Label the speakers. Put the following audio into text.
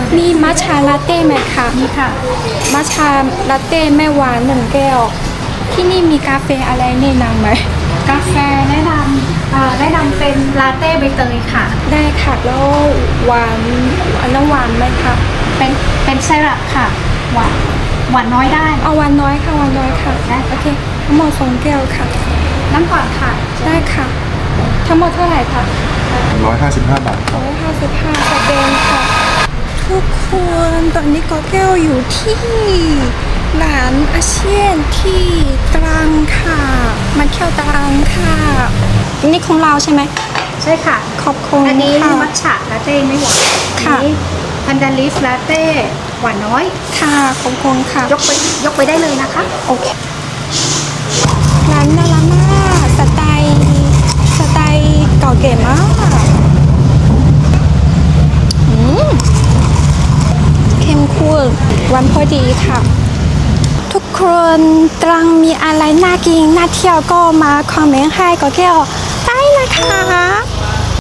Speaker 1: มีมัทฉะลาเต้ไหมคะมีค่ะมัทฉะลาเต้ไม่หวาน1 แก้วที่นี่มีกาแฟอะไรแนะนำไหม
Speaker 2: กาแฟแนะนำเป็นลาเต้ใบเตยค่ะ
Speaker 1: ได้ค่ะแล้วหวานน้ำหวานไหมคะ
Speaker 2: เป็นไซรัปค่ะหวานน้อยได้
Speaker 1: เอาหวานน้อยค่ะหวานน้อยค่ะ
Speaker 2: ได้
Speaker 1: โอเคทั้งหมด2 แก้วค่ะ
Speaker 2: น้ำก่อนค่ะ
Speaker 1: ได้ค่ะทั้งหมดเท่าไหร่คะ
Speaker 3: 155 บาทครับ
Speaker 1: 155สแกนค่ะทุกคนตอนนี้ก็แก้วอยู่ที่ร้านอาเซียนที่ตรังค่ะมาเที่ยวตรังค่ะนี่ของเราใช่ไหม
Speaker 2: ใช่ค่ะ
Speaker 1: ขอบคุณ
Speaker 2: อันนี้
Speaker 1: ค่ะ
Speaker 2: มัทฉะลาเต้ไม่หวาน
Speaker 1: ค่ะ
Speaker 2: อันนี้พันดาลิฟลาเต้หวานน้อย
Speaker 1: ค่ะขอบคุณค่ะ
Speaker 2: ยกไปได้เลยนะคะ
Speaker 1: โอเคร้านน่ารักมากสไตล์เก่าเก๋มากเข้มข้นวันพอดีค่ะทุกคนตรังมีอะไรน่ากินน่าเที่ยวก็มาคอมเมนต์ให้ก็แก้วได้นะคะ